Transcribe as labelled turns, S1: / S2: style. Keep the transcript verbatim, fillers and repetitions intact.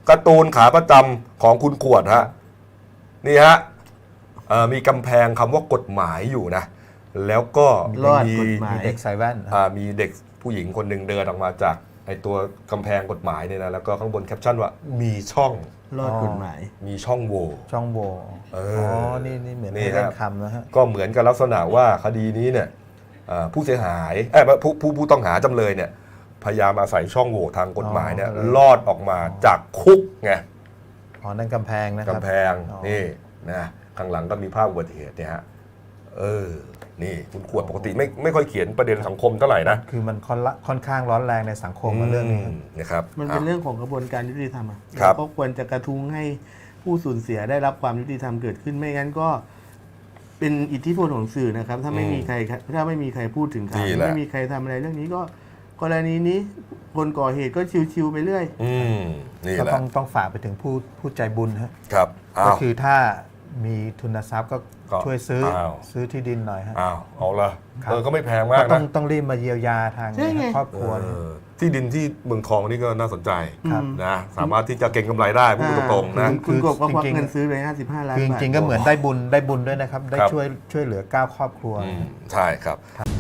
S1: การ์ตูนขาประจำของคุณขวดฮะนี่ฮะมีกำแพงคำว่ากฎหมายอยู่นะแล้วก็มี
S2: มีเด็กใส่แว่น
S1: มีเด็กผู้หญิงคนหนึ่งเดินออกมาจากไอตัวกำแพงกฎหมายเนี่ยนะแล้วก็ข้างบนแคปชั่นว่ามีช่อง
S2: รอดกฎหมาย
S1: มีช่องโหว่
S2: ช่องโหว่อ๋อนี่นี่เหมือนเล่นคำนะฮะ
S1: ก็เหมือนกับลักษณะว่าคดีนี้เนี่ยผู้เสียหายเอ้ผู้ผู้ผู้ต้องหาจำเลยเนี่ยพยายามอาศัยช่องโหว่ทางกฎหมายเนี่ยรอดออกมาจากคุกไง
S2: อ๋อนั่นกำแพงนะครับ
S1: กำแพงนี่นะข้างหลังก็มีภาพอุบัติเหตุเนี่ยฮะเออนี่คุณขวดปกติไม่ไม่ค่อยเขียนประเด็นสังคมเท่าไหร่นะ
S2: คือมันค่อนข้างร้อนแรงในสังคมมาเรื่องนี้
S1: นะครับ
S3: มันเป็นเรื่องของกระบวนการยุติธรรมอ่ะเราก็ควรจะกระทุ้งให้ผู้สูญเสียได้รับความยุติธรรมเกิดขึ้นไม่งั้นก็เป็นอิทธิพลของสื่อนะครับถ้าไม่มีใครถ้าไม่มีใครพูดถึงข่าวไม่มีใครทำอะไรเรื่องนี้ก็กรณีนี้คนก่อเหตุก็ชิวๆไปเรื่อย
S2: ก็ต้องต้องฝากไปถึงผู้ผู้ใจบุญ
S1: ครับ
S2: ก็คือถ้ามีทุนทรัพย์ก็ช่วยซื้อซื้อที่ดินหน่อยฮะ
S1: อ้าวเอาละเออก็ไม่แพงมากนะ
S2: ต้องต้องรีบมาเยียวยาทางครอบครัว
S1: ที่ดินที่เมืองทองนี่ก็น่าสนใจนะสามารถที่จะเก็งกำไรได้พูดตรงๆนะ
S3: คุณกบก็ควักเงินซื้อไปห้าสิบห้าล้านบาท
S2: จริงๆก็เหมือนได้บุญได้บุญด้วยนะครับได้ช่วยช่วยเหลือเก้าครอบครัว
S1: ใช่ครับ